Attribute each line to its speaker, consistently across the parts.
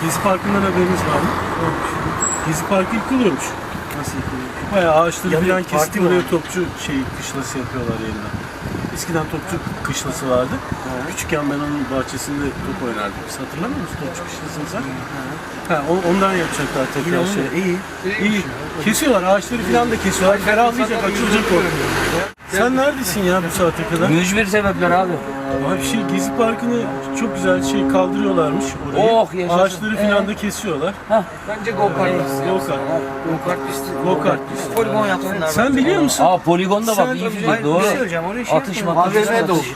Speaker 1: Gezi Parkı'ndan haberiniz var mı? Gezi Parkı yıkılıyormuş.
Speaker 2: Nasıl yıkılıyor?
Speaker 1: Bayağı ağaçları
Speaker 2: Yani
Speaker 1: falan
Speaker 2: parti
Speaker 1: kesip
Speaker 2: mi
Speaker 1: oraya
Speaker 2: var?
Speaker 1: topçu kışlası yapıyorlar yeniden. Eskiden topçu kışlası vardı. Küçükken ben onun bahçesinde top oynardık. Biz hatırlamıyor musun topçu kışlasını sen? Ondan yapacaklar tekrar şey. İyi. Kesiyorlar, ağaçları falan da kesiyorlar. Ferahlayacak, açılacak orada. Sen neredesin ya bu saate kadar?
Speaker 3: Mücbir sebepler abi.
Speaker 1: Abi Gezi Parkı'nı çok güzel kaldırıyorlarmış orayı.
Speaker 3: Oh, yaşasın.
Speaker 1: Ağaçları falan da kesiyorlar.
Speaker 3: Bence go-kart.
Speaker 1: Go-kart pisti. Go-kart pisti.
Speaker 3: Poligon yapsınlar.
Speaker 1: Sen biliyor musun?
Speaker 3: Aa poligonda bak
Speaker 1: Sen-
Speaker 3: iyi fikir.
Speaker 2: Hayır,
Speaker 3: Doğru.
Speaker 2: bir şey söyleyeceğim. Oraya şey
Speaker 3: Atış
Speaker 2: yapmıyor.
Speaker 3: matış.
Speaker 2: AVM de olur.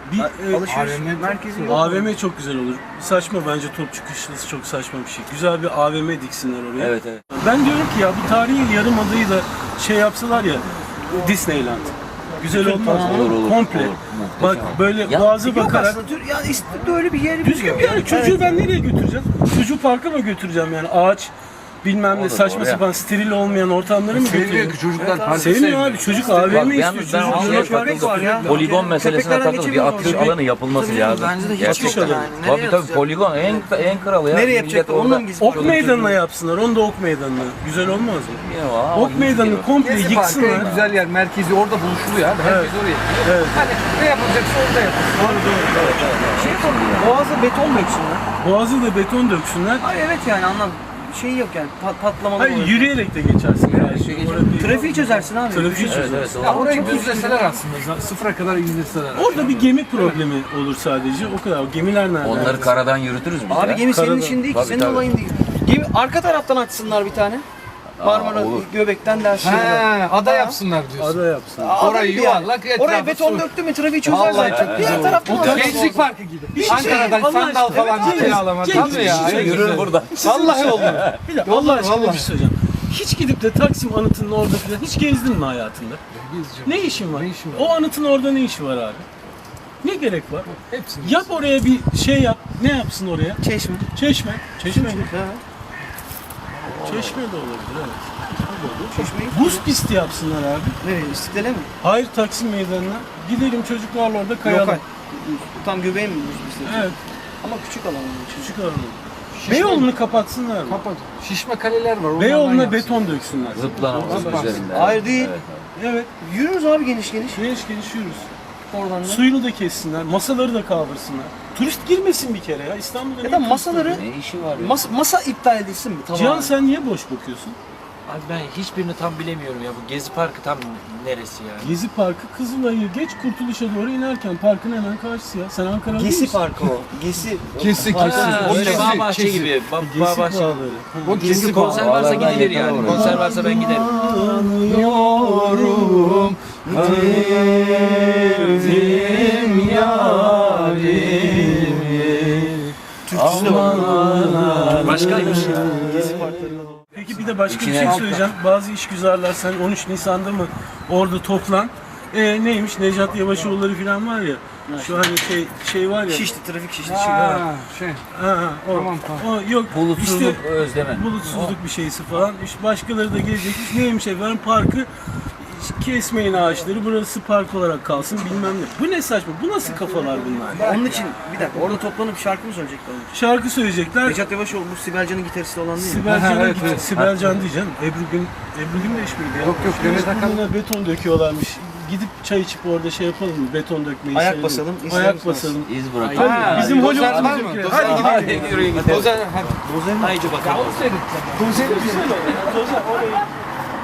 Speaker 1: Alışveriş
Speaker 2: merkezi yok.
Speaker 1: AVM çok güzel olur. Saçma bence topçu kışlası çok saçma bir şey. Güzel bir AVM diksinler oraya.
Speaker 3: Evet.
Speaker 1: Ben diyorum ki ya bu tarihi yarımadayı da yapsalar ya Disneyland. Güzel olmaz mı?
Speaker 3: Olur.
Speaker 1: Komple.
Speaker 3: Olur.
Speaker 1: Bak böyle
Speaker 3: Ya,
Speaker 1: boğazı
Speaker 2: Yok
Speaker 1: bakarak.
Speaker 2: aslında ya İstanbul'da öyle bir yer
Speaker 1: Düzgün bir yer. Çocuğu ben nereye götüreceğim? Çocuğu parka mı götüreceğim yani? Ağaç bilmem ne
Speaker 3: Olur,
Speaker 1: saçma
Speaker 3: oraya.
Speaker 1: sapan steril olmayan ortamlara mı
Speaker 4: Sevmiyor
Speaker 1: götüreceğim?
Speaker 4: ki çocuklar parti
Speaker 1: Sevmiyor abi. Çocuk
Speaker 3: Bak
Speaker 1: AVM
Speaker 3: ben
Speaker 1: istiyor. Çocuk
Speaker 3: şeye
Speaker 2: köpek var ya.
Speaker 3: takıldım. Poligon meselesine
Speaker 2: Köpeklerden
Speaker 3: takıldım. Bir atış
Speaker 2: geçemiyoruz.
Speaker 3: alanı yapılması lazım.
Speaker 2: Bence de hiç
Speaker 3: Gerçekten.
Speaker 2: yok yani. Nereye
Speaker 3: Tabii
Speaker 2: atacak?
Speaker 3: poligon en kralı ya.
Speaker 2: Nereye
Speaker 3: Millet
Speaker 2: yapacaklar?
Speaker 3: orada-
Speaker 2: Onunla mı gizli?
Speaker 1: Ok meydanına yapsınlar. Onu da ok meydanına. Güzel olmaz mı?
Speaker 3: Bilmiyorum ama
Speaker 1: Ok
Speaker 3: iyi
Speaker 1: meydanını
Speaker 3: fikir.
Speaker 1: komple
Speaker 4: Gezi Parkı en
Speaker 1: yıksınlar.
Speaker 4: güzel yer, merkezi orada buluşuluyor abi. Herkes oraya.
Speaker 1: Evet.
Speaker 4: Hani ne yapılacaksa orada yapılır.
Speaker 2: Şey yapalım. Boğaz'a beton döksünler.
Speaker 1: Boğazı da beton döksünler.
Speaker 2: Hayır evet yani anlam. Şey yok yani patlamalı
Speaker 1: Hayır
Speaker 2: olur.
Speaker 1: yürüyerek de geçersin.
Speaker 2: Trafiği çözersin abi.
Speaker 1: Trafiği
Speaker 3: Evet,
Speaker 1: çözersin.
Speaker 3: evet,
Speaker 4: Ya
Speaker 3: doğru.
Speaker 4: orayı düzleseler aslında. Sıfıra kadar indirseler.
Speaker 1: Orada bir gemi problemi olur sadece. O kadar. O gemiler nerede?
Speaker 3: Onları karadan yürütürüz biz
Speaker 2: Abi
Speaker 3: ya.
Speaker 2: gemi senin
Speaker 1: Karada.
Speaker 2: işin değil ki.
Speaker 3: Tabii,
Speaker 2: Senin
Speaker 3: tabii.
Speaker 2: olayın değil. Gemi arka taraftan açsınlar bir tane. Marmara
Speaker 3: olur.
Speaker 2: Göbekten dersin.
Speaker 4: He, ada yapsınlar diyorsun.
Speaker 1: Ada yapsın.
Speaker 4: Orayı yuvarlak, etrafı
Speaker 2: Oraya beton
Speaker 4: su.
Speaker 2: döktü mü trafiği
Speaker 4: Vallahi
Speaker 2: çözerler.
Speaker 4: çok
Speaker 2: Diğer taraftan açsın.
Speaker 4: Gençlik Parkı gibi.
Speaker 1: şey
Speaker 4: Ankara'dan
Speaker 1: Allah
Speaker 4: sandal
Speaker 1: aşkına,
Speaker 4: falan
Speaker 1: evet,
Speaker 4: kiralama.
Speaker 1: Cengiz,
Speaker 4: Tabii ya.
Speaker 1: bir şey
Speaker 3: Yürür burada.
Speaker 4: Vallahi oldu.
Speaker 1: Bir de Allah aşkına bir şey söyleyeceğim. Hiç gidip de Taksim anıtının orada falan hiç gezdin mi hayatında? Ne işin var?
Speaker 4: Ne işin var?
Speaker 1: O anıtın orada ne işi var abi? Ne gerek var?
Speaker 4: Hepsini.
Speaker 1: Yap oraya bir şey yap. Ne yapsın oraya?
Speaker 2: Çeşme.
Speaker 1: Çeşme. Çeşme mi?
Speaker 2: Ha.
Speaker 1: Çeşme de olabilir evet.
Speaker 2: Çeşmeyi.
Speaker 1: Buz pisti yapsınlar abi.
Speaker 2: Nereye? İstiklale mi?
Speaker 1: Hayır Taksim Meydanı'na. Gidelim çocuklarla orada kayalım.
Speaker 2: Lokal. Tam göbeğe mi buz
Speaker 1: Evet.
Speaker 2: Ama küçük alan onun için.
Speaker 1: Küçük alalım. Beyoğlu'nu kapatsınlar mı?
Speaker 4: Kapat. Şişme kaleler var. onlardan
Speaker 1: Beyoğlu'na
Speaker 4: yapsın.
Speaker 1: beton döksünler.
Speaker 3: Zıplanamaz üzerinde.
Speaker 2: Hayır değil.
Speaker 1: Evet.
Speaker 2: Yürürüz abi geniş geniş.
Speaker 1: Geniş geniş yürürüz.
Speaker 2: Oradan da.
Speaker 1: Suyunu da kessinler, masaları da kaldırsınlar. Turist girmesin bir kere ya. İstanbul'da
Speaker 2: Ya
Speaker 1: niye
Speaker 2: da
Speaker 1: turist
Speaker 2: masaları
Speaker 1: var?
Speaker 3: Ne işi var ya?
Speaker 2: masa iptal edilsin mi? Tamam.
Speaker 1: Cihan sen niye boş bakıyorsun?
Speaker 5: Abi ben hiçbirini tam bilemiyorum ya. Bu Gezi Parkı tam neresi yani?
Speaker 1: Gezi Parkı Kızılay'ı geç Kurtuluş'a doğru inerken parkın hemen karşısı ya. Sen Ankara'da
Speaker 2: Gesi Parkı o. Gesi.
Speaker 4: Kesi
Speaker 5: Ha,
Speaker 4: kesi.
Speaker 5: öyle bağ bahçe
Speaker 4: kesi.
Speaker 5: gibi.
Speaker 1: Gezi
Speaker 5: Bağ bahçe gibi.
Speaker 1: bağları.
Speaker 4: O kesi
Speaker 5: Konser
Speaker 4: bağlı.
Speaker 5: varsa
Speaker 3: Bağlardan
Speaker 5: gidilir
Speaker 3: yakala
Speaker 5: yani.
Speaker 3: oraya.
Speaker 5: Konser varsa ben giderim.
Speaker 4: Yorum sevdim yarimi.
Speaker 5: Başkaymış.
Speaker 2: Gezi Parkları'na doğru.
Speaker 1: Peki bir de başka bir
Speaker 3: İçine-
Speaker 1: şey söyleyeceğim. Bazı işgüzarlar sen 13 Nisan'da mı orada toplan. Neymiş Necat Yavaşoğulları falan var ya. Şu hani şey var ya.
Speaker 2: Şişti, trafik şişti.
Speaker 4: Ha, şey.
Speaker 1: O,
Speaker 4: Tamam.
Speaker 1: o yok.
Speaker 3: Bulutsuzluk
Speaker 1: İşte
Speaker 3: özleme.
Speaker 1: bulutsuzluk bir şeysi falan. İşte başkaları da gelecekmiş. Neymiş efendim parkı kesmeyin ağaçları. Burası park olarak kalsın bilmem ne. Bu ne saçma? Bu nasıl kafalar bunlar?
Speaker 2: Onun için bir dakika orada toplanıp şarkı mı söyleyecekler?
Speaker 1: Şarkı söyleyecekler.
Speaker 2: Necat Yavaşoğlu bu Sibel Can'ın gitaristi olan değil mi?
Speaker 1: Sibel Can'a
Speaker 4: Evet,
Speaker 1: git.
Speaker 4: evet.
Speaker 1: Sibel Can diyeceğim. Ebru Gün de işbirliği.
Speaker 4: Yok, Demet Akalın.
Speaker 1: Burnuna beton döküyorlarmış. Gidip çay içip orada şey yapalım mı? Beton dökmeyi.
Speaker 2: Ayak
Speaker 1: seyredelim.
Speaker 2: basalım, izleyelim
Speaker 1: Ayak
Speaker 2: sonra.
Speaker 1: basalım.
Speaker 3: İz bırak.
Speaker 4: Ha,
Speaker 1: Bizim
Speaker 4: dozer
Speaker 1: Hollywood'un
Speaker 4: var mı?
Speaker 1: ülke.
Speaker 4: Dozer
Speaker 1: Hadi
Speaker 4: var.
Speaker 1: gidelim.
Speaker 4: Dozer hadi.
Speaker 5: Haydi bakalım.
Speaker 1: Dozer orayı